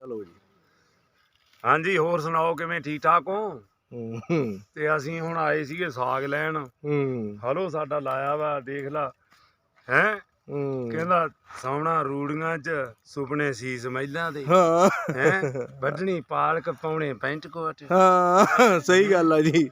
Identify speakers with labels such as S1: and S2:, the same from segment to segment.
S1: ਚਲੋ ਜੀ।
S2: ਹਾਂਜੀ ਹੋਰ ਸੁਣਾਓ ਕਿਵੇਂ ਠੀਕ ਠਾਕ ਹੋ? ਤੇ ਅਸੀਂ ਹੁਣ ਆਏ ਸੀਗੇ ਸਾਗ ਲੈਣ। ਹਲੋ ਸਾਡਾ ਲਾਇਆ ਵਾ ਦੇਖ ਲਾ ਹੈਂ ਕਹਿੰਦਾ ਸੌਣਾ ਰੂੜੀਆਂ ਚ ਸੁਪਨੇ ਸੀਸ ਮਹਿਲਾਂ ਦੇ ਹੈਂ ਵੱਢਣੀ ਪਾਲਕ ਪਾਉਣੇ ਪੈਂਟ ਕੋਟ।
S1: ਹਾਂ ਸਹੀ ਗੱਲ ਆ ਜੀ।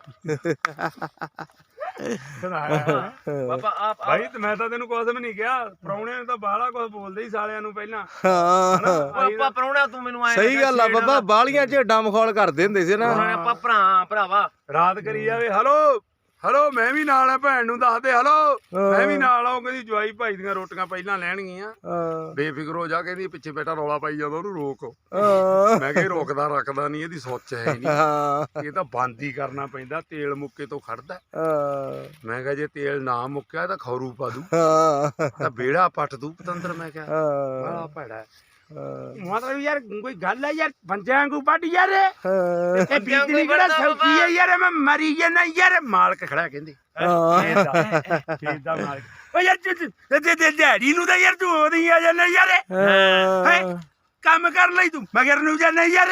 S2: ਬਾਬਾ ਆਪ ਭਾਈ ਤੇ ਮੈਂ ਤਾਂ ਤੈਨੂੰ ਕੁਝ ਵੀ ਨਹੀਂ ਕਿਹਾ। ਪ੍ਰਾਹੁਣੇ ਨੇ ਤਾਂ ਬਾਹਲਾ ਕੁਝ ਬੋਲਦੇ ਹੀ ਸਾਲਿਆਂ ਨੂੰ ਪਹਿਲਾਂ।
S3: ਆਪਾਂ ਪ੍ਰਾਹੁਣਾ ਤੂੰ ਮੈਨੂੰ ਆਏ
S1: ਸਹੀ ਗੱਲ ਆ ਬਾਬਾ ਬਾਲੀਆਂ ਝੇਡਾਂ ਮਖੌਲ ਕਰਦੇ ਹੁੰਦੇ ਸੀ ਨਾ।
S3: ਆਪਾਂ ਭਰਾਵਾ
S2: ਰਾਤ ਕਰੀ ਜਾਵੇ ਹਲੋ ਹਲੋ ਮੈਂ ਵੀ ਨਾਲ ਆ ਭੈਣ ਨੂੰ ਦੱਸ ਦੇ ਹਲੋ ਮੈਂ ਵੀ ਨਾਲ ਆਉਂ। ਕਹਿੰਦੀ ਜਵਾਈ ਭਾਈ ਦੀਆਂ ਰੋਟੀਆਂ ਪਹਿਲਾਂ ਲੈਣਗੀਆਂ ਬੇਫਿਕਰ ਹੋ ਜਾ। ਕਹਿੰਦੀ ਪਿੱਛੇ ਬੇਟਾ ਰੌਲਾ ਪਾਈ ਜਾਂਦਾ ਉਹਨੂੰ ਰੋਕ। ਮੈਂ ਕਿਹਾ ਰੋਕਦਾ ਰੱਖਦਾ ਨਹੀਂ ਇਹਦੀ ਸੋਚ ਹੈ ਨਹੀਂ। ਇਹ ਤਾਂ ਬੰਦ ਹੀ ਕਰਨਾ ਪੈਂਦਾ ਤੇਲ ਮੁੱਕੇ ਤੋਂ ਖੜਦਾ। ਮੈਂ ਕਿਹਾ ਜੇ ਤੇਲ ਨਾ ਮੁੱਕਿਆ ਤਾਂ ਖੌਰੂ ਪਾ ਦੂ ਤਾਂ ਬੇੜਾ ਪੱਟ ਦੂ ਪਤੰਦਰ। ਮੈਂ ਕਿਹਾ ਬੜਾ ਭੈੜਾ ਮਤਲਬ ਯਾਰ ਕੋਈ ਗੱਲ ਹੈ ਯਾਰ ਬੰਦਿਆਂ ਵਾਂਗੂ ਵੱਢ ਯਾਰ ਇਹ ਬੀਜਣੀ ਕਿਹੜਾ ਸੌਖੀ ਹੈ ਯਾਰ। ਮੈਂ ਮਰੀ ਜਾਂਦਾ ਯਾਰ ਮਾਲਕ ਖੜਾ ਕਹਿੰਦੇ ਖੇਤ ਦਾ ਮਾਲਕ। ਓ ਯਾਰ ਦਿਹਾੜੀ ਨੂੰ ਤਾਂ ਯਾਰ ਤੂੰ ਉਹਦੀ ਆ ਜਾਂਦਾ ਯਾਰ ਕੰਮ ਕਰ ਲਈ ਤੂੰ ਮਗਰ ਨੂੰ ਜਾਂਦਾ ਯਾਰ।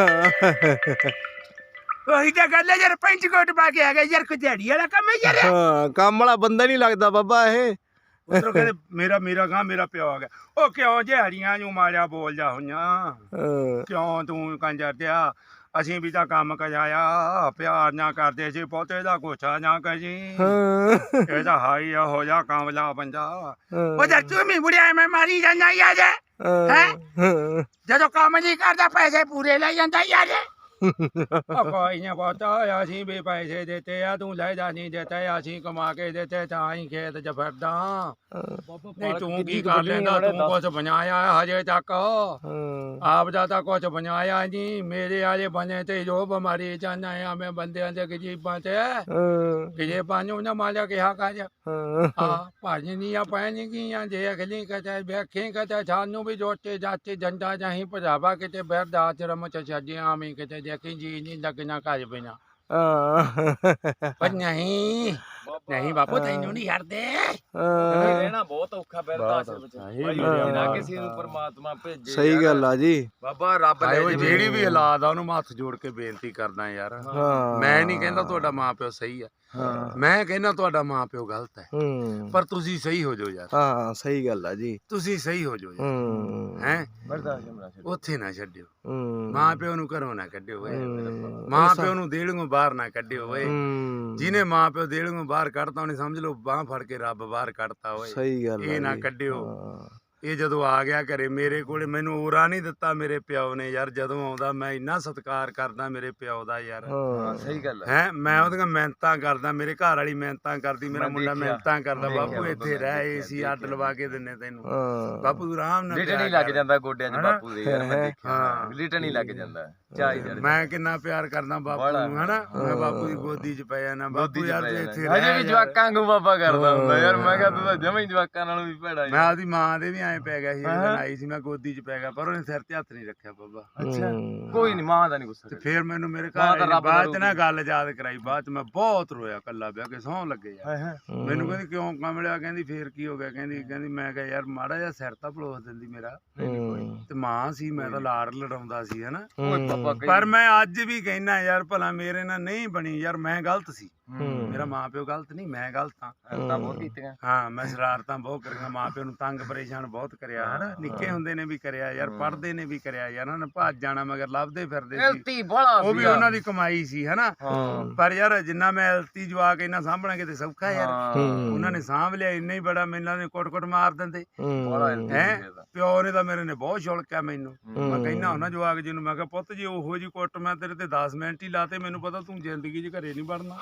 S2: ਉਹੀ ਤਾਂ ਗੱਲ ਹੈ ਯਾਰ ਪੈਂਟ ਕੋਟ ਪਾ ਕੇ ਆ ਗਿਆ ਯਾਰ ਕੋਈ ਦਿਹਾੜੀ ਵਾਲਾ ਕੰਮ ਹੈ ਯਾਰ।
S1: ਕੰਮ ਵਾਲਾ ਬੰਦਾ ਨਹੀਂ ਲੱਗਦਾ ਬਾਬਾ ਇਹ।
S2: ਉਧਰੋਂ ਕਹਿੰਦੇ ਮੇਰਾ ਗਾਂ ਮੇਰਾ ਪਿਓ ਆ ਗਿਆ। ਉਹ ਕਿਉਂ ਦਿਹਾੜੀਆਂ ਨੂੰ ਮਾਰਿਆ ਬੋਲ ਜਾ ਹੋਈਆਂ ਕਿਉਂ ਤੂੰ ਕੰਜਰ ਦਿਆ। ਅਸੀਂ ਵੀ ਤਾਂ ਕੰਮ ਕਜਾਇਆ ਪਿਆਰ ਨਾ ਕਰਦੇ ਸੀ ਪੋਤੇ ਦਾ ਗੋਛਾ ਨਾ ਕਰੀ। ਇਹਦਾ ਹਾਈ ਹੋ ਜਾ ਕਾਮਲਾ ਬੰਦਾ। ਉਹ ਜਦ ਤੂੰ ਵੀ ਬੁੜਿਆ ਮੈਂ ਮਾਰੀ ਜਾਂਦਾ ਯਾਰ ਹੈ ਜਦੋਂ ਕੰਮ ਨਹੀਂ ਕਰਦਾ ਪੈਸੇ ਪੂਰੇ ਲੈ ਜਾਂਦਾ ਯਾਰ। ਕੋਈ ਨਾ ਪਤਾ ਅਸੀਂ ਵੀ ਪੈਸੇ ਦਿੱਤੇ ਆ ਤੂੰ ਲੈ ਜਾ ਨਹੀਂ ਦਿੱਤੇ ਅਸੀਂ ਕਮਾ ਕੇ ਦਿੱਤੇ ਤਾਂ ਹੀ ਖੇਤ ਚ ਫਿਰਦਾ। ਨਹੀਂ ਤੂੰ ਕੀ ਕਰ ਲੈਂਦਾ ਤੂੰ ਕੁਛ ਬਣਾਇਆ ਹਜੇ ਤੱਕ ਆਪ ਦਾ ਤਾਂ ਕੁਛ ਬਣਾਇਆ ਨਹੀਂ। ਮੇਰੇ ਵਾਲੇ ਬਣੇ ਤੇ ਜੋ ਬਿਮਾਰੀ ਜਾਂਦਾ ਆ ਮੈਂ ਬੰਦਿਆਂ ਦੇ ਗਰੀਬਾਂ ਤੇ ਗਰੀਬਾਂ ਨੂੰ ਨਾ ਮਾਲਿਆ ਕਿਹਾ ਕਰ ਆ ਭਾਜੀ ਨਹੀਂ ਆ ਪੈਣੀ ਗਈਆਂ ਜੇ ਅਗਲੀ ਕਹਤੇ ਵੇਖੀ ਕਹਤੇ ਸਾਨੂੰ ਵੀ ਜੋਤੇ ਜਾਤੇ ਜੰਦਾ ਜਾਹੀਂ ਭਜਾਵਾ ਕਿਤੇ ਬੈਠਦਾ ਆਚਰਮ ਚ ਛੱਡਿਆ ਮੈਂ ਕਿਤੇ ਦੇਖੀ ਜੀ ਨਹੀਂ ਲੱਗਣਾ ਘਰ ਬਿਨਾ। ਪਰ ਨਹੀਂ ਨਹੀਂ ਬਾਪੂ ਤੈਨੂੰ ਨਹੀਂ ਛੱਡਦੇ।
S3: ਰਹਿਣਾ ਬਹੁਤ ਔਖਾ ਫਿਰਦਾ ਕਿਸੇ ਨੂੰ ਪਰਮਾਤਮਾ ਭੇਜੇ।
S1: ਸਹੀ ਗੱਲ ਆ ਜੀ
S3: ਬਾਬਾ ਰੱਬ ਨੇ
S2: ਜਿਹੜੀ ਵੀ ਔਲਾਦ ਆ ਉਹਨੂੰ ਮੈਂ ਹੱਥ ਜੋੜ ਕੇ ਬੇਨਤੀ ਕਰਦਾ ਯਾਰ। ਮੈਂ ਨਹੀਂ ਕਹਿੰਦਾ ਤੁਹਾਡਾ ਮਾਂ ਪਿਓ ਸਹੀ ਆ ਮੈਂ ਕਹਿੰਦਾ ਤੁਹਾਡਾ ਮਾਂ ਪਿਓ ਗਲਤ ਹੈ ਪਰ ਤੁਸੀਂ ਸਹੀ ਹੋ ਜਾਓ ਯਾਰ।
S1: ਹਾਂ ਸਹੀ ਗੱਲ ਆ ਜੀ
S2: ਤੁਸੀਂ ਸਹੀ ਹੋ ਜਾਓ ਹੈ ਉੱਥੇ ਨਾ ਛੱਡਿਓ। ਮਾਂ ਪਿਓ ਨੂੰ ਘਰੋਂ ਨਾ ਕੱਢਿਓ ਮਾਂ ਪਿਓ ਨੂੰ ਦੇਹਲੋਂ ਬਾਹਰ ਨਾ ਕੱਢਿਓ ਓਏ। ਜਿਹਨੇ ਮਾਂ ਪਿਓ ਦੇਹਲੋਂ ਬਾਹਰ ਕੱਢਤਾ ਉਹਨੇ ਸਮਝ ਲਓ ਬਾਂਹ ਫੜ ਕੇ ਰੱਬ ਬਾਹਰ ਕੱਢਤਾ ਓਏ।
S1: ਸਹੀ ਗੱਲ
S2: ਇਹ ਨਾ ਕੱਢਿਓ। ਇਹ ਜਦੋਂ ਆ ਗਿਆ ਘਰੇ ਮੇਰੇ ਕੋਲੇ ਮੈਨੂੰ ਔਰਾ ਨਹੀਂ ਦਿੱਤਾ ਮੇਰੇ ਪਿਓ ਨੇ ਯਾਰ। ਜਦੋਂ ਆਉਂਦਾ ਮੈਂ ਇੰਨਾ ਸਤਿਕਾਰ ਕਰਦਾ ਮੇਰੇ ਪਿਓ ਦਾ ਯਾਰ।
S3: ਸਹੀ ਗੱਲ
S2: ਹੈ ਮੈਂ ਉਹਦੀਆਂ ਮਿਹਨਤਾਂ ਕਰਦਾ ਮੇਰੇ ਘਰ ਵਾਲੀ ਮਿਹਨਤਾਂ ਕਰਦੀ ਮੇਰਾ ਮੁੰਡਾ ਮਿਹਨਤਾਂ ਕਰਦਾ। ਬਾਪੂ ਇੱਥੇ ਰਹਿ ਏਸੀ ਅੱਡ ਲਵਾ ਕੇ ਦਿੰਨੇ ਤੈਨੂੰ ਬਾਪੂ ਤੂੰ ਆਰਾਮ ਨਾਲ
S3: ਲਿਟਣ ਹੀ ਲੱਗ ਜਾਂਦਾ ਗੋਡਿਆਂ 'ਚ ਬਾਪੂ ਦੇ ਯਾਰ ਮੈਂ ਦੇਖਿਆ ਲਿਟਣ ਹੀ ਲੱਗ ਜਾਂਦਾ ਚਾਹੀ।
S2: ਮੈਂ ਕਿੰਨਾ ਪਿਆਰ ਕਰਦਾ ਬਾਪੂ ਨੂੰ ਹਨਾ ਮੈਂ ਬਾਪੂ ਦੀ ਗੋਦੀ 'ਚ ਪੈ ਜਾਣਾ। ਬਾਪੂ ਯਾਰ ਤੂੰ ਇੱਥੇ ਰਹਿ।
S3: ਅਜੇ ਵੀ ਜਵਾਕਾਂ ਨੂੰ ਬਾਬਾ ਕਰਦਾ ਹੁੰਦਾ ਯਾਰ। ਮੈਂ ਕਿਹਾ ਤੂੰ ਤਾਂ ਜਮਾਂ ਹੀ ਜਵਾਕਾਂ ਨਾਲੋਂ ਵੀ ਭੈੜਾ।
S2: ਮੈਂ ਆਪਦੀ ਮਾਂ ਦੇ ਵੀ ਐਂ ਪੈ ਗਿਆ ਸੀ ਆਈ ਸੀ ਮੈਂ ਗੋਦੀ 'ਚ ਪੈ ਗਿਆ ਪਰ ਉਹਨੇ ਸਿਰ ਤੇ ਹੱਥ ਨਹੀਂ ਰੱਖਿਆ ਬਾਬਾ।
S3: ਅੱਛਾ ਕੋਈ ਨੀ ਮਾਂ ਦਾ ਨੀ ਗੁੱਸਾ।
S2: ਤੇ ਫੇਰ ਮੈਨੂੰ ਮੇਰੇ ਘਰ ਬਾਅਦ ਚ ਨਾ ਗੱਲ ਯਾਦ ਕਰਾਈ। ਬਾਅਦ ਚ ਮੈਂ ਬਹੁਤ ਰੋਇਆ ਕੱਲਾ ਵਿਆਹ ਕੇ ਸਹੁੰ ਲੱਗੇ ਯਾਰ। ਮੈਨੂੰ ਕਹਿੰਦੀ ਕਿਉਂ ਕਮਲਿਆ ਕਹਿੰਦੀ ਫੇਰ ਕੀ ਹੋ ਗਿਆ ਕਹਿੰਦੀ ਮੈਂ ਕਿਹਾ ਯਾਰ ਮਾੜਾ ਜਿਹਾ ਸਿਰ ਤਾਂ ਪਲੋਸ ਦਿੰਦੀ ਮੇਰਾ ਤੇ ਮਾਂ ਸੀ ਮੈਂ ਤਾਂ ਲਾੜ ਲੜਾਉਂਦਾ ਸੀ ਹਨਾ। ਪਰ ਮੈਂ ਅੱਜ ਵੀ ਕਹਿਣਾ ਯਾਰ ਭਲਾ ਮੇਰੇ ਨਾਲ ਨਹੀਂ ਬਣੀ ਯਾਰ ਮੈਂ ਗਲਤ ਸੀ। ਮੇਰਾ ਮਾਂ ਪਿਓ ਗਲਤ ਨਹੀਂ ਮੈਂ ਗਲਤ ਹਾਂ। ਮੈਂ ਸ਼ਰਾਰਤਾਂ ਬਹੁਤ ਕਰੀਆਂ ਮਾਂ ਪਿਓ ਨੂੰ ਤੰਗ ਪਰੇਸ਼ਾਨ ਬਹੁਤ ਕਰਿਆ ਹਨਾ। ਨਿੱਕੇ ਹੁੰਦੇ ਨੇ ਵੀ ਕਰਿਆ ਯਾਰ ਪੜ੍ਹਦੇ ਨੇ ਵੀ ਕਰਿਆ ਯਾਰ। ਉਹਨਾਂ ਨੇ ਭੱਜ ਜਾਣਾ ਮਗਰ ਲੱਭਦੇ ਫਿਰਦੇ ਸੀ ਉਹ ਵੀ ਉਹਨਾਂ ਦੀ ਕਮਾਈ ਸੀ ਹਨਾ। ਪਰ ਯਾਰ ਜਿੰਨਾ ਮੈਂ ਐਲਤੀ ਜਵਾਕ ਇਹਨਾਂ ਸਾਂਭਣਾ ਕਿਤੇ ਸੌਖਾ ਯਾਰ। ਉਹਨਾਂ ਨੇ ਸਾਂਭ ਲਿਆ ਇੰਨਾ ਹੀ ਬੜਾ। ਮੈਨੂੰ ਨੇ ਕੁੱਟ ਮਾਰ ਦਿੰਦੇ ਹੈ। ਪਿਓ ਨੇ ਤਾਂ ਮੇਰੇ ਨੇ ਬਹੁਤ ਛੁਲਕਿਆ ਮੈਨੂੰ। ਮੈਂ ਕਹਿੰਦਾ ਹੁੰਦਾ ਜਵਾਕ ਜੀ ਨੂੰ ਮੈਂ ਕਿਹਾ ਪੁੱਤ ਜੀ ਉਹੋ ਜੀ ਕੁੱਟ ਮੈਂ ਤੇਰੇ ਤੇ 10 ਮਿੰਟ ਹੀ ਲਾਤੇ ਮੈਨੂੰ ਪਤਾ ਤੂੰ ਜ਼ਿੰਦਗੀ 'ਚ ਘਰੇ ਨਹੀਂ ਵੜਨਾ।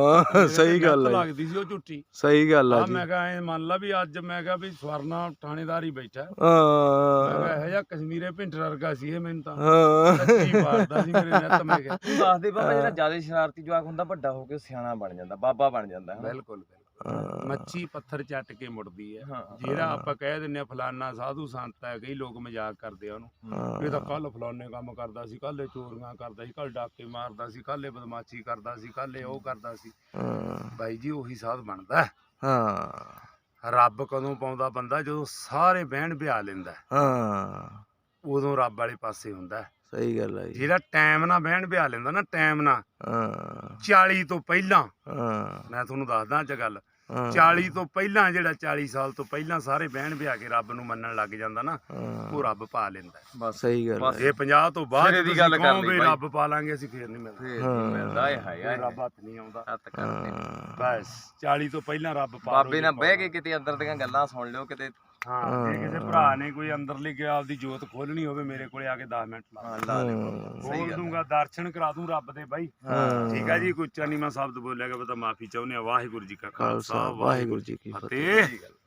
S1: ਸਹੀ ਗੱਲ ਹੈ
S2: ਲੱਗਦੀ ਸੀ ਉਹ ਝੂਠੀ।
S1: ਸਹੀ ਗੱਲ ਆ
S2: ਮੈਂ ਕਿਹਾ ਐ ਮੰਨ ਲਾ ਵੀ ਅੱਜ ਮੈਂ ਕਿਹਾ ਵੀ ਸਵਰਨਾ ਥਾਣੇਦਾਰ ਹੀ ਬੈਠਾ। ਮੈਂ ਕਿਹਾ ਇਹੋ ਜਿਹਾ ਕਸ਼ਮੀਰੇ ਭਿੰਟਰ ਵਰਗਾ ਸੀ ਇਹ ਮੈਨੂੰ ਤਾਂ ਮਾਰਦਾ ਸੀ ਮੇਰੇ ਨੱਤ। ਮੈਂ ਕਿਹਾ
S3: ਤੂੰ ਦੱਸ ਦੇ ਬਾਬਾ ਜਿਹੜਾ ਜ਼ਿਆਦਾ ਸ਼ਰਾਰਤੀ ਜਵਾਕ ਹੁੰਦਾ ਵੱਡਾ ਹੋ ਕੇ ਸਿਆਣਾ ਬਣ ਜਾਂਦਾ ਬਾਬਾ ਬਣ ਜਾਂਦਾ।
S2: ਬਿਲਕੁਲ ਮੱਛੀ ਪੱਥਰ ਚੱਟ ਕੇ ਮੁੜਦੀ ਹੈ। ਜਿਹੜਾ ਆਪਾਂ ਕਹਿ ਦਿੰਦੇ ਆ ਫਲਾਨਾ ਸਾਧੂ ਸੰਤ ਹੈ ਕਈ ਲੋਕ ਮਜ਼ਾਕ ਕਰਦੇ ਆ ਉਹਨੂੰ। ਇਹ ਤਾਂ ਕੱਲ ਫਲਾਨੇ ਕੰਮ ਕਰਦਾ ਸੀ ਕੱਲ ਚੋਰੀਆਂ ਕਰਦਾ ਸੀ ਕੱਲ ਡਾਕੇ ਮਾਰਦਾ ਸੀ ਕੱਲ ਬਦਮਾਸ਼ੀ ਕਰਦਾ ਸੀ ਕੱਲ ਉਹ ਕਰਦਾ ਸੀ। ਬਾਈ ਜੀ ਉਹੀ ਸਾਧ ਬਣਦਾ। ਰੱਬ ਕਦੋਂ ਪਾਉਂਦਾ ਬੰਦਾ ਜਦੋਂ ਸਾਰੇ ਬਹਿਣ ਬਿਆ ਲੈਂਦਾ। ਉਦੋਂ ਰੱਬ ਵਾਲੇ ਪਾਸੇ ਹੁੰਦਾ।
S1: ਸਹੀ ਗੱਲ ਆ ਜੀ।
S2: ਜਿਹੜਾ ਟਾਈਮ ਨਾਲ ਬਹਿਣ ਬਿਆ ਲੈਂਦਾ ਨਾ, ਟਾਈਮ ਨਾਲ
S1: ਹਾਂ
S2: 40 ਤੋਂ ਪਹਿਲਾਂ,
S1: ਹਾਂ
S2: ਮੈਂ ਤੁਹਾਨੂੰ ਦੱਸਦਾ ਅੱਜ ਗੱਲ,
S1: ਹਾਂ
S2: 40 ਤੋਂ ਪਹਿਲਾਂ, ਜਿਹੜਾ 40 ਸਾਲ ਤੋਂ ਪਹਿਲਾਂ ਸਾਰੇ ਬਹਿਣ ਬਿਆ ਕੇ ਰੱਬ ਨੂੰ ਮੰਨਣ ਲੱਗ ਜਾਂਦਾ ਨਾ,
S1: ਹਾਂ,
S2: ਉਹ ਰੱਬ ਪਾ ਲੈਂਦਾ।
S3: ਬਸ
S1: ਸਹੀ ਗੱਲ ਆ।
S2: ਜੇ 50 ਤੋਂ ਬਾਅਦ
S3: ਸਿਰੇ ਦੀ
S2: ਤੁਸੀਂ
S3: ਗੱਲ ਕਰ
S2: ਕਹੋ
S3: ਲਈ
S2: ਵੀ
S3: ਬਾਈ।
S2: ਰੱਬ ਪਾ ਲਾਂਗੇ ਅਸੀਂ, ਫੇਰ ਨਹੀਂ ਮਿਲਦਾ,
S3: ਫੇਰ ਨੀ ਮਿਲਦਾ ਇਹ
S2: ਕੋਈ
S3: ਹੈ
S2: ਰੱਬ ਹੱਥ ਨਹੀਂ ਆਉਂਦਾ।
S3: ਹੱਥ ਕਰਦੇ
S1: ਹਾਂ
S2: ਬਸ 40 ਤੋਂ ਪਹਿਲਾਂ ਰੱਬ ਪਾ ਲਓ
S3: ਬਾਬੇ
S2: ਜੇ
S3: ਨਾਲ ਬਹਿ
S2: ਪਾਉਣਾ।
S3: ਕੇ ਕਿਤੇ ਅੰਦਰ ਦੀਆਂ ਗੱਲਾਂ ਸੁਣ ਲਿਓ ਕਿਤੇ।
S2: ਹਾਂ ਜੇ ਕਿਸੇ ਭਰਾ ਨੇ ਕੋਈ ਅੰਦਰਲੀ ਗਿਆ ਆਪਦੀ ਜੋਤ ਖੋਲਣੀ ਹੋਵੇ, ਮੇਰੇ ਕੋਲੇ ਆ ਕੇ 10 ਮਿੰਟ ਲਾ
S3: ਹਾਂ ਲਾ ਲਿਓ। ਸਹੀ
S2: ਖੋਲ
S3: ਗੱਲ
S2: ਦੂੰਗਾ, ਦਰਸ਼ਨ ਕਰਾ ਦੂੰ ਰੱਬ ਦੇ ਬਾਈ।
S1: ਹਾਂ।
S2: ਠੀਕ ਆ ਜੀ, ਕੋਈ ਉੱਚਾ ਨੀਵਾਂ ਸ਼ਬਦ ਬੋਲਿਆ ਗਿਆ ਤਾਂ ਮਾਫੀ ਚਾਹੁੰਦੇ ਆ। ਵਾਹਿਗੁਰੂ ਜੀ ਕਾ
S1: ਖਾਲਸਾ
S2: ਖਾਲਸਾ,
S1: ਵਾਹਿਗੁਰੂ ਜੀ ਕੀ ਫਤਿਹ।
S2: ਫਤਿਹ।